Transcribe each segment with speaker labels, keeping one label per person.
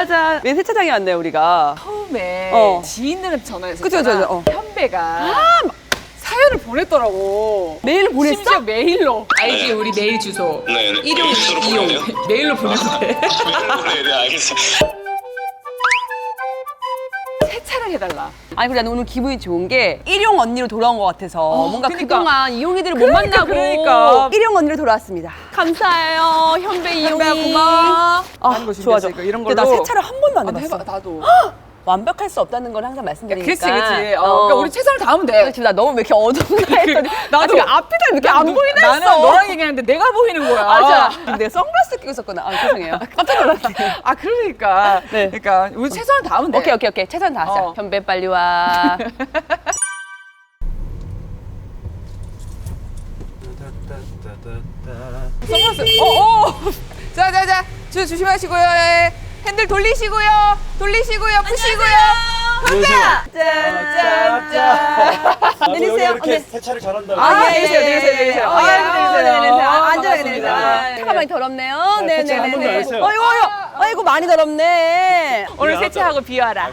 Speaker 1: 짜잔. 왜 세차장에 왔네요, 우리가.
Speaker 2: 처음에 지인들한테 전화해서
Speaker 1: 그쵸.
Speaker 2: 현배가 사연을 보냈더라고.
Speaker 1: 메일을 보냈어?
Speaker 2: 심지어 메일로. 알지? 우리 메일 주소.
Speaker 3: 네.
Speaker 2: 일용
Speaker 3: 주소로
Speaker 2: 이용.
Speaker 3: 보내네요?
Speaker 2: 메일로 보내도 돼.
Speaker 3: 네, 알겠습니다.
Speaker 2: 세차를 해달라.
Speaker 1: 아니, 그래, 나는 오늘 기분이 좋은 게 일용 언니로 돌아온 것 같아서 뭔가
Speaker 2: 그러니까.
Speaker 1: 그동안 이용이들을 못 만나고
Speaker 2: 그러니까.
Speaker 1: 일용 언니로 돌아왔습니다. 감사해요, 현배 이용이.
Speaker 2: 현배야, 고마워.
Speaker 1: 아, 좋아.
Speaker 2: 이런
Speaker 1: 근데
Speaker 2: 걸로.
Speaker 1: 나 세차를 한 번도 안 해봤어.
Speaker 2: 해봐, 나도.
Speaker 1: 완벽할 수 없다는 걸 항상 말씀드리니까.
Speaker 2: 그렇지. 그러니까 우리 최선을 다하면 돼.
Speaker 1: 지금 나 너무 왜 이렇게 어둡나 했더니
Speaker 2: 나도
Speaker 1: 지금 앞이 다 이렇게 안 보이나 했어.
Speaker 2: 나는 너랑 얘기하는데 내가 보이는 거야.
Speaker 1: 아, 진짜. 내가 선글라스 끼고 있었구나. 아, 죄송해요. 깜짝 놀랐네.
Speaker 2: 아, 그러니까.
Speaker 1: 네.
Speaker 2: 그러니까 우리 최선을 다하면 돼.
Speaker 1: 오케이. 최선 다하자. 현배 빨리 와.
Speaker 2: 선글라스. 자. 조심하시고요. 예. 핸들 돌리시고요. 푸시고요.
Speaker 1: 짠. 내리세요.
Speaker 4: 이렇게 세차를 잘한다고.
Speaker 2: 내리세요.
Speaker 1: 안전하게 내리세요. 차가 많이 더럽네요.
Speaker 4: 세차 한 번도 안 했어요.
Speaker 1: 아이고, 많이 더럽네.
Speaker 2: 오늘 세차하고 비와라.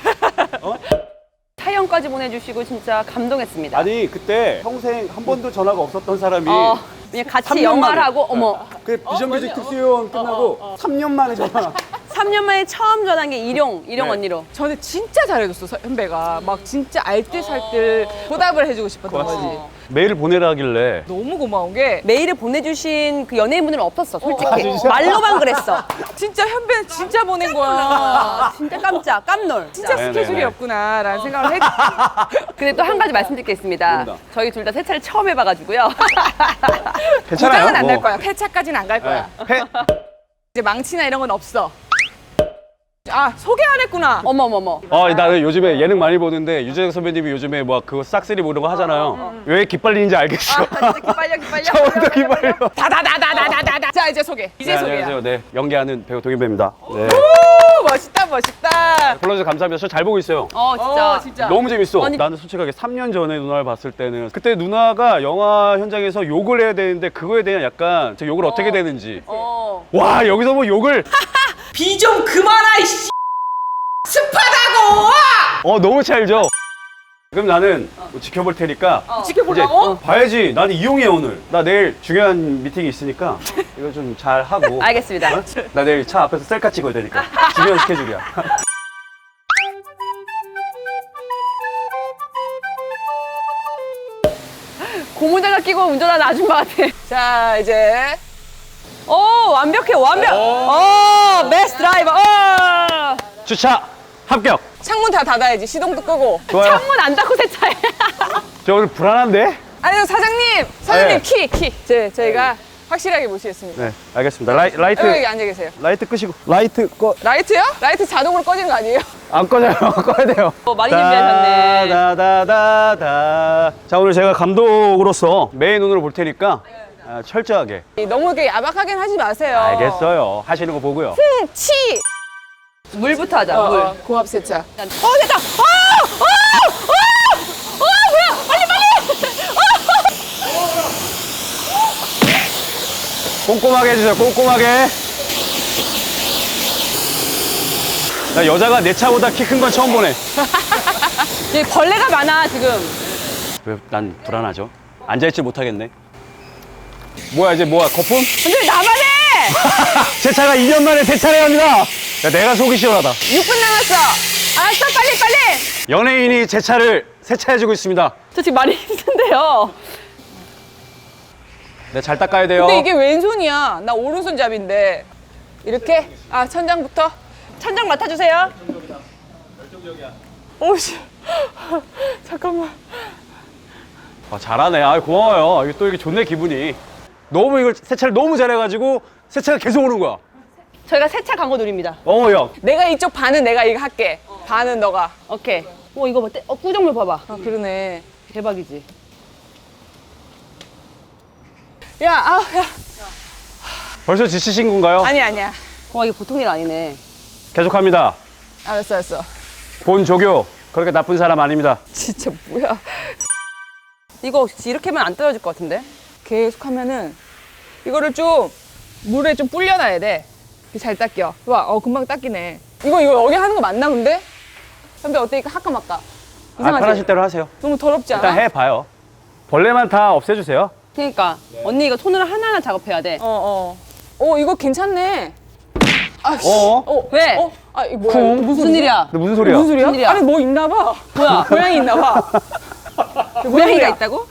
Speaker 1: 사연까지 보내주시고 진짜 감동했습니다.
Speaker 4: 아니 그때 평생 한 번도 전화가 없었던 사람이
Speaker 1: 그냥 같이
Speaker 4: 3년
Speaker 1: 영화를
Speaker 4: 만에.
Speaker 1: 하고, 어머.
Speaker 4: 그 비정규직 특수요원 끝나고 3년 만에 전화.
Speaker 1: 3년 만에 처음 전화한 게 일용 언니로.
Speaker 2: 저는 진짜 잘해줬어, 현배가. 막 진짜 알뜰살뜰 보답을 해주고 싶었던 거지.
Speaker 4: 메일을 보내라 하길래
Speaker 2: 너무 고마운 게
Speaker 1: 메일을 보내주신 그 연예인분들은 없었어, 솔직히.
Speaker 4: 아, 진짜?
Speaker 1: 말로만 그랬어.
Speaker 2: 진짜 현배는 진짜 보낸 거야.
Speaker 1: 진짜 깜놀.
Speaker 2: 진짜
Speaker 4: 네네네.
Speaker 2: 스케줄이 없구나라는 생각을 했.
Speaker 1: 근데 또 한 가지 말씀드릴 게 있습니다.
Speaker 4: 뭡니다?
Speaker 1: 저희 둘 다 세차를 처음 해봐가지고요.
Speaker 4: 괜찮아요.
Speaker 2: 고장은 안 날
Speaker 4: 뭐.
Speaker 2: 거야. 폐차까지는 안 갈 거야.
Speaker 4: 네.
Speaker 2: 이제 망치나 이런 건 없어. 아, 소개 안 했구나.
Speaker 1: 어머머머.
Speaker 4: 나는 요즘에 예능 많이 보는데 유재석 선배님이 요즘에 뭐 그거 싹쓸이 뭐 이런 거 하잖아요. 왜 기빨리는지 알겠어.
Speaker 1: 진짜 기빨려.
Speaker 4: 처음부터 기빨려.
Speaker 2: 다다다다다다다. 자, 이제 소개. 이제 소개야.
Speaker 4: 안녕하세요. 네, 연기하는 배우 동인배입니다. 네.
Speaker 2: 오, 멋있다.
Speaker 4: 불러주셔서 감사합니다. 저 잘 보고 있어요.
Speaker 1: 진짜.
Speaker 4: 너무 재밌어.
Speaker 1: 아니-
Speaker 4: 나는 솔직하게 3년 전에 누나를 봤을 때는 그때 누나가 영화 현장에서 욕을 해야 되는데 그거에 대한 약간 저 욕을 어떻게 되는지 와 여기서 뭐 욕을
Speaker 2: 비 좀 그만하, 이씨. 습하다고!
Speaker 4: 너무 찰죠. 그럼 나는 뭐 지켜볼 테니까
Speaker 2: 지켜보려고?
Speaker 4: 이제 봐야지. 나는 이용해 오늘. 나 내일 중요한 미팅이 있으니까 이거 좀 잘 하고.
Speaker 1: 알겠습니다.
Speaker 4: 나 내일 차 앞에서 셀카 찍어야 되니까 중요한 스케줄이야.
Speaker 1: 고무장갑 끼고 운전하는 아줌마 같아.
Speaker 2: 자, 이제.
Speaker 1: 완벽해. 베스트 드라이버.
Speaker 4: 주차 합격.
Speaker 2: 창문 다 닫아야지. 시동도 끄고.
Speaker 4: 좋아요.
Speaker 1: 창문 안 닫고 세차해.
Speaker 4: 저 오늘 불안한데?
Speaker 2: 아니요, 사장님.
Speaker 4: 네.
Speaker 2: 키. 저희가 확실하게 모시겠습니다.
Speaker 4: 네, 알겠습니다. 라이트
Speaker 2: 여기 앉아 계세요.
Speaker 4: 라이트 끄시고. 라이트 꺼.
Speaker 2: 라이트요? 라이트 자동으로 꺼지는 거 아니에요?
Speaker 4: 안 꺼져요. 꺼야 돼요.
Speaker 1: 많이 준비하셨네.
Speaker 4: 다다다다다. 자, 오늘 제가 감독으로서 메인 눈으로 볼 테니까 철저하게.
Speaker 2: 너무 이렇게 야박하긴 하지 마세요.
Speaker 4: 알겠어요. 하시는 거 보고요.
Speaker 2: 치!
Speaker 1: 물부터 하자, 물.
Speaker 2: 고압 세차.
Speaker 1: 됐다. 뭐야? 빨리.
Speaker 4: 꼼꼼하게 해주세요. 꼼꼼하게. 나 여자가 내 차보다 키 큰 건 처음 보네.
Speaker 1: 여기 벌레가 많아, 지금.
Speaker 4: 왜 난 불안하죠? 앉아있지 못하겠네. 뭐야 이제 뭐야 거품?
Speaker 1: 근데 나만 해!
Speaker 4: 제 차가 2년 만에 세차를 합니다. 야, 내가 속이 시원하다.
Speaker 1: 6분 남았어. 알았어, 빨리.
Speaker 4: 연예인이 제 차를 세차해주고 있습니다.
Speaker 1: 저 지금 많이 힘든데요.
Speaker 4: 네, 잘 닦아야 돼요.
Speaker 2: 근데 이게 왼손이야. 나 오른손잡인데. 이렇게? 천장부터?
Speaker 1: 천장 맡아주세요.
Speaker 2: 오씨. 잠깐만.
Speaker 4: 잘하네. 고마워요. 이게 또 이게 좋네 기분이. 너무 이걸 세차를 너무 잘해가지고 세차가 계속 오는 거야.
Speaker 1: 저희가 세차 광고 드립니다.
Speaker 4: 야.
Speaker 2: 내가 이쪽 반은 내가 이거 할게. 반은 너가.
Speaker 1: 오케이. 이거 봐. 꾸정물 봐봐.
Speaker 2: 그러네.
Speaker 1: 대박이지.
Speaker 2: 야.
Speaker 4: 벌써 지치신 건가요?
Speaker 2: 아니야.
Speaker 1: 이게 보통 일 아니네.
Speaker 4: 계속합니다.
Speaker 2: 알았어.
Speaker 4: 본조교. 그렇게 나쁜 사람 아닙니다.
Speaker 2: 진짜 뭐야.
Speaker 1: 이거 이렇게 하면 안 떨어질 것 같은데?
Speaker 2: 계속 하면은 이거를 좀 물에 좀 불려놔야 돼. 잘 닦여. 와, 금방 닦이네. 이거 여기 하는 거 맞나 근데? 현배 어때? 이거 할까 말까?
Speaker 4: 아,
Speaker 2: 이상하지?
Speaker 4: 편하실 대로 하세요.
Speaker 2: 너무 더럽지 않아?
Speaker 4: 일단 해봐요. 벌레만 다 없애주세요.
Speaker 1: 그러니까 언니 이거 손으로 하나하나 작업해야 돼.
Speaker 2: 이거 괜찮네. 아, 씨.
Speaker 1: 왜?
Speaker 2: 아, 이거 뭐야? 이거
Speaker 1: 무슨 일이야?
Speaker 4: 근데 무슨 소리야?
Speaker 2: 무슨 소리야?
Speaker 1: 무슨 일이야?
Speaker 2: 아니 뭐 있나 봐.
Speaker 1: 뭐야?
Speaker 2: 고양이 있나 봐.
Speaker 1: 고양이가
Speaker 2: 소리야?
Speaker 1: 있다고?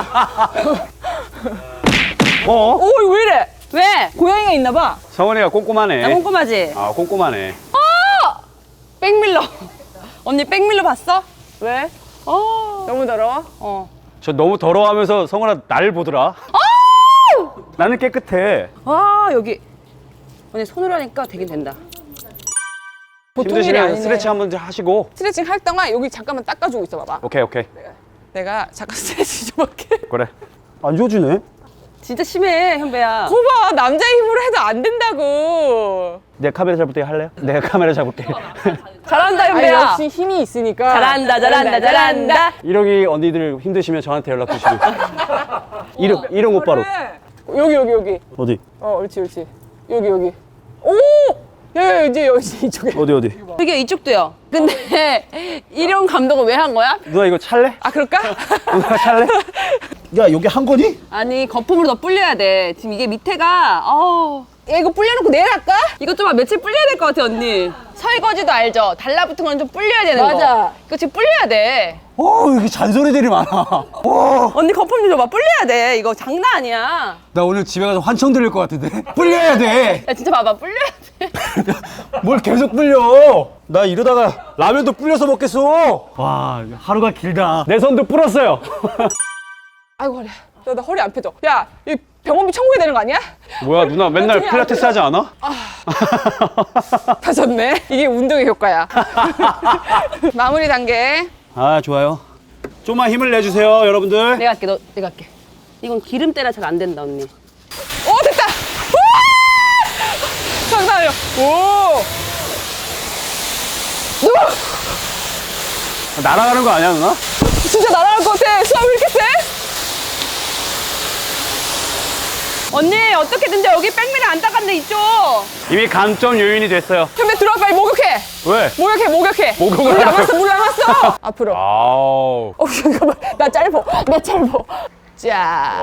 Speaker 2: 이거 왜 이래?
Speaker 1: 왜?
Speaker 2: 고양이가 있나 봐.
Speaker 4: 성원이가 꼼꼼하네.
Speaker 1: 나 꼼꼼하지?
Speaker 4: 아, 꼼꼼하네.
Speaker 1: 백밀러. 언니 백밀러 봤어?
Speaker 2: 왜?
Speaker 1: 어.
Speaker 2: 너무 더러워?
Speaker 4: 저 너무 더러워하면서 성원아 나를 보더라. 나는 깨끗해.
Speaker 1: 와 여기 언니 손으로 하니까 되긴 된다.
Speaker 2: 보통 일이
Speaker 4: 힘드시면
Speaker 2: 아니네.
Speaker 4: 스트레칭 한번 하시고.
Speaker 2: 스트레칭 할 동안 여기 잠깐만 닦아주고 있어 봐봐.
Speaker 4: 오케이, 오케이.
Speaker 2: 내가 잠깐 스트레칭 좀 할게.
Speaker 4: 그래. 안 좋아지네.
Speaker 1: 진짜 심해 현배야.
Speaker 2: 거봐 남자 힘으로 해도 안 된다고.
Speaker 4: 내가 카메라 잡을 때 할래요? 내가 카메라 잡을게.
Speaker 1: 잘한다
Speaker 2: 아니,
Speaker 1: 현배야.
Speaker 2: 역시 힘이 있으니까.
Speaker 1: 잘한다.
Speaker 4: 이러기 언니들 힘드시면 저한테 연락 주시고. 이름 오빠로.
Speaker 2: 여기.
Speaker 4: 어디?
Speaker 2: 옳지. 여기. 오! 야, 이제 이쪽에.
Speaker 4: 어디?
Speaker 1: 이게 이쪽도요. 근데 일용 감독은 왜 한 거야?
Speaker 4: 누나 이거 찰래?
Speaker 2: 아, 그럴까?
Speaker 4: 누나 찰래? 야, 여기 한 거니?
Speaker 1: 아니 거품으로 더 불려야 돼. 지금 이게 밑에가
Speaker 2: 야, 이거 불려놓고 내일 할까?
Speaker 1: 이거 좀 며칠 불려야 될 것 같아 언니. 설거지도 알죠? 달라붙은 건 좀 불려야 되는 거.
Speaker 2: 맞아.
Speaker 1: 이거 지금 불려야 돼.
Speaker 4: 여기 잔소리들이 많아.
Speaker 1: 언니 거품 좀 줘봐. 불려야 돼. 이거 장난 아니야.
Speaker 4: 나 오늘 집에 가서 환청 들릴 것 같은데? 불려야 돼!
Speaker 1: 야 진짜 봐봐. 불려야 돼.
Speaker 4: 뭘 계속 불려! 나 이러다가 라면도 불려서 먹겠어! 와, 하루가 길다. 내 손도 불었어요.
Speaker 2: 아이고, 허리. 나 허리 안 펴져. 야, 이 병원비 청구해야 되는 거 아니야?
Speaker 4: 뭐야, 누나 맨날
Speaker 2: 나중에
Speaker 4: 필라테스 하지 않아?
Speaker 2: 펴졌네. 이게 운동의 효과야. 마무리 단계.
Speaker 4: 아, 좋아요. 좀만 힘을 내주세요, 여러분들.
Speaker 1: 내가 할게. 내가 할게. 이건 기름때라 잘 안 된다 언니.
Speaker 2: 오, 됐다! 우와! 장난이야. 오!
Speaker 4: 날아가는 거 아니야, 누나?
Speaker 2: 진짜 날아갈 것 같아. 수압 왜 이렇게 세?
Speaker 1: 언니 어떻게든지 여기 백미를 안 닦았네 이쪽.
Speaker 4: 이미 감점 요인이 됐어요.
Speaker 2: 현배 들어와 빨리 목욕해.
Speaker 4: 왜?
Speaker 2: 목욕해.
Speaker 4: 목욕을
Speaker 2: 물
Speaker 4: 하라고.
Speaker 2: 남았어, 물 남았어. 앞으로.
Speaker 4: 아우.
Speaker 2: 잠깐만. 나 짧어. 자.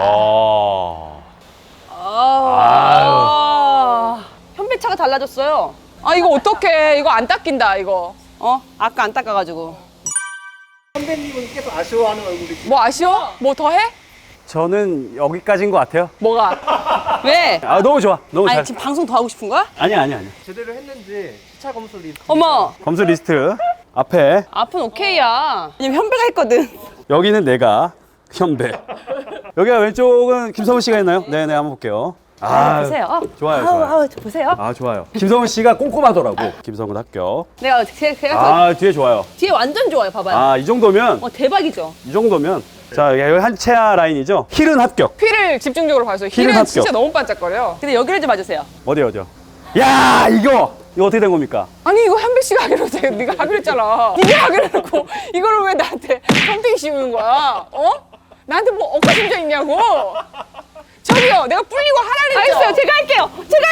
Speaker 1: 현배차가 달라졌어요.
Speaker 2: 아, 이거 어떡해. 이거 안 닦인다, 이거.
Speaker 1: 아까 안 닦아가지고.
Speaker 5: 선배님은 계속 아쉬워하는 얼굴이
Speaker 2: 뭐 아쉬워? 뭐 더 해?
Speaker 4: 저는 여기까지인 것 같아요.
Speaker 2: 뭐가?
Speaker 1: 왜?
Speaker 4: 아, 너무 좋아. 너무 잘.
Speaker 1: 아니 지금 방송 더 하고 싶은 거야?
Speaker 4: 아니야.
Speaker 5: 제대로 했는지 시차 검수 리스트
Speaker 1: 어머.
Speaker 4: 검수 리스트 앞에
Speaker 1: 앞은 오케이야. 왜냐면 현배가 했거든.
Speaker 4: 여기는 내가 현배. 여기가 왼쪽은 김성훈 씨가 했나요? 네네, 한번 볼게요.
Speaker 1: 보세요.
Speaker 4: 좋아요.
Speaker 1: 저 보세요.
Speaker 4: 아, 좋아요. 김성훈 씨가 꼼꼼하더라고. 김성훈 합격.
Speaker 1: 제가
Speaker 4: 뒤에 좋아요.
Speaker 1: 뒤에 완전 좋아요. 봐봐요.
Speaker 4: 아, 이 정도면
Speaker 1: 대박이죠.
Speaker 4: 자, 여기 한채아 라인이죠. 힐은 합격.
Speaker 2: 휠을 집중적으로 봐주세요.
Speaker 4: 힐은
Speaker 2: 힐은
Speaker 4: 합격.
Speaker 2: 진짜 너무 반짝거려.
Speaker 1: 근데 여기를 좀 봐주세요.
Speaker 4: 어디요? 야, 이거 어떻게 된 겁니까?
Speaker 2: 아니 이거 현배 씨가 하기로 했잖아. 네가 하기로 했잖아. 네가 하기로 해놓고 이거를 왜 나한테 덤핑 씌우는 거야? 나한테 뭐 억하심정 있냐고? 저기요, 내가 불리고 하라 그랬죠?
Speaker 1: 알겠어요. 제가 할게요.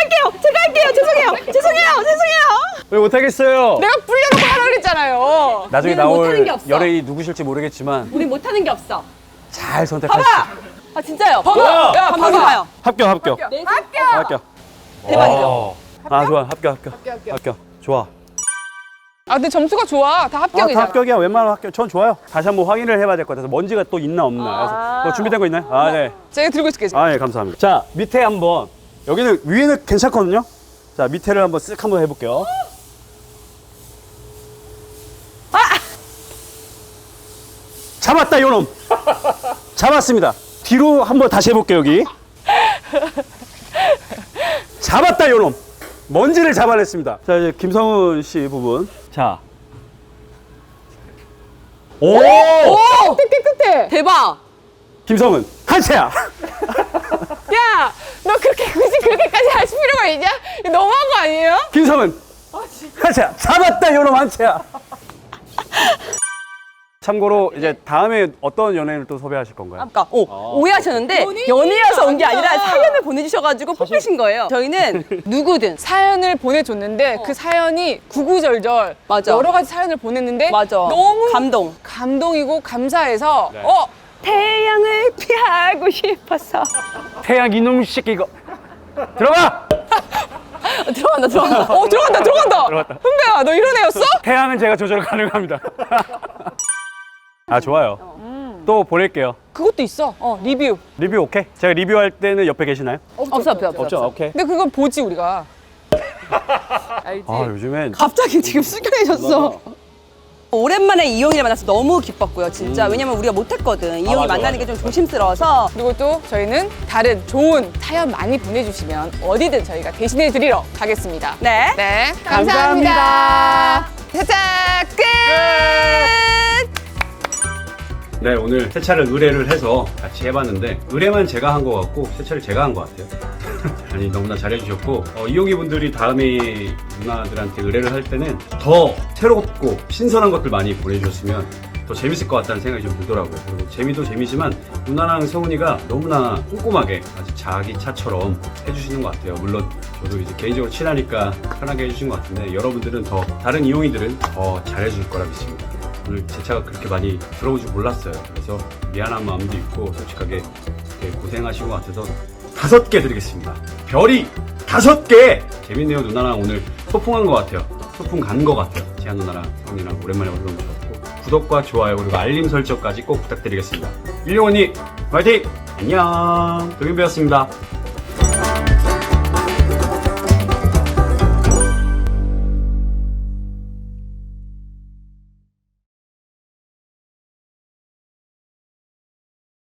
Speaker 1: 죄송해요.
Speaker 4: 왜 못하겠어요?
Speaker 2: 내가 불려놓고 하라 그랬잖아요.
Speaker 4: 나중에
Speaker 1: 우리는 못하는
Speaker 4: 나올
Speaker 1: 게 없어.
Speaker 4: 열애이 누구실지 모르겠지만
Speaker 1: 우리 못하는 게 없어.
Speaker 4: 잘 선택하시죠.
Speaker 1: 아 진짜요.
Speaker 2: 봐봐. 야,
Speaker 1: 한번
Speaker 2: 봐봐.
Speaker 1: 봐요.
Speaker 4: 합격. 합격.
Speaker 1: 대박이죠.
Speaker 4: 아, 좋아. 합격. 좋아.
Speaker 2: 아, 근데 점수가 좋아. 다
Speaker 4: 다
Speaker 2: 합격이잖아.
Speaker 4: 합격이야. 웬만하면 합격. 전 좋아요. 다시 한번 확인을 해봐야 될 것 같아서 먼지가 또 있나 없나. 그래서 뭐 준비된 거 있나요? 아, 네.
Speaker 2: 제가 들고 있을게요. 지금.
Speaker 4: 아, 예, 감사합니다. 자, 밑에 한번. 여기는 위에는 괜찮거든요. 자, 밑에를 한번 쓱 한번 해볼게요. 잡았다, 요놈. 잡았습니다. 뒤로 한번 다시 해볼게요, 여기. 잡았다, 요놈. 먼지를 잡아냈습니다. 자, 이제 김성훈 씨 부분. 자. 오!
Speaker 2: 깨끗해.
Speaker 1: 대박.
Speaker 4: 김성훈, 한채야.
Speaker 2: 야, 너 그렇게 굳이 그렇게까지 하실 필요가 있냐? 이거 너무한 거 아니에요?
Speaker 4: 김성훈, 한채야. 잡았다, 요놈 한채야. 참고로 이제 다음에 어떤 연예인을 또 섭외하실 건가요?
Speaker 1: 아까 오해하셨는데 연예여서 온 게 아니라 사연을 보내주셔가지고 뽑히신 거예요. 저희는 누구든
Speaker 2: 사연을 보내줬는데 그 사연이 구구절절
Speaker 1: 맞아.
Speaker 2: 여러 가지 사연을 보냈는데
Speaker 1: 맞아.
Speaker 2: 너무
Speaker 1: 감동.
Speaker 2: 감동이고 감사해서
Speaker 4: 네.
Speaker 1: 태양을 피하고 싶어서
Speaker 4: 태양 이놈 새끼 이거 들어가!
Speaker 1: 들어간다.
Speaker 2: 들어간다. 훈배야, 너 이런 애였어?
Speaker 4: 태양은 제가 조절 가능합니다. 아 좋아요. 또 보낼게요.
Speaker 2: 그것도 있어. 리뷰.
Speaker 4: 리뷰 오케이? 제가 리뷰할 때는 옆에 계시나요?
Speaker 1: 없어.
Speaker 4: 없죠? 오케이.
Speaker 2: 근데 그건 보지 우리가.
Speaker 1: 알지?
Speaker 4: 아 요즘엔
Speaker 1: 갑자기 지금 숙연해졌어. 오랜만에 이용이를 만나서 너무 기뻤고요, 진짜. 왜냐면 우리가 못했거든. 이용이
Speaker 4: 맞아,
Speaker 1: 만나는
Speaker 4: 맞아.
Speaker 1: 게 좀 조심스러워서.
Speaker 2: 그리고 또 저희는 다른 좋은 사연 많이 보내주시면 어디든 저희가 대신해 드리러 가겠습니다.
Speaker 1: 네.
Speaker 2: 네,
Speaker 4: 감사합니다.
Speaker 2: 살짝 끝.
Speaker 4: 네 오늘 세차를 의뢰를 해서 같이 해봤는데 의뢰만 제가 한 것 같고 세차를 제가 한 것 같아요. 아니 너무나 잘해주셨고 이용이 분들이 다음에 누나들한테 의뢰를 할 때는 더 새롭고 신선한 것들 많이 보내주셨으면 더 재밌을 것 같다는 생각이 좀 들더라고요. 그리고 재미도 재미지만 누나랑 세훈이가 너무나 꼼꼼하게 아주 자기 차처럼 해주시는 것 같아요. 물론 저도 이제 개인적으로 친하니까 편하게 해주신 것 같은데 여러분들은 더 다른 이용이들은 더 잘해줄 거라 믿습니다. 오늘 제 차가 그렇게 많이 들어올 줄 몰랐어요. 그래서 미안한 마음도 있고 솔직하게 이렇게 고생하신 것 같아서 5개 드리겠습니다. 별이 5개! 재밌네요. 누나랑 오늘 소풍한 것 같아요. 소풍 간 것 같아요. 지한 누나랑 형이랑 오랜만에 와서 너무 좋았고 구독과 좋아요 그리고 알림 설정까지 꼭 부탁드리겠습니다. 일용 언니 화이팅! 안녕! 도겸배였습니다.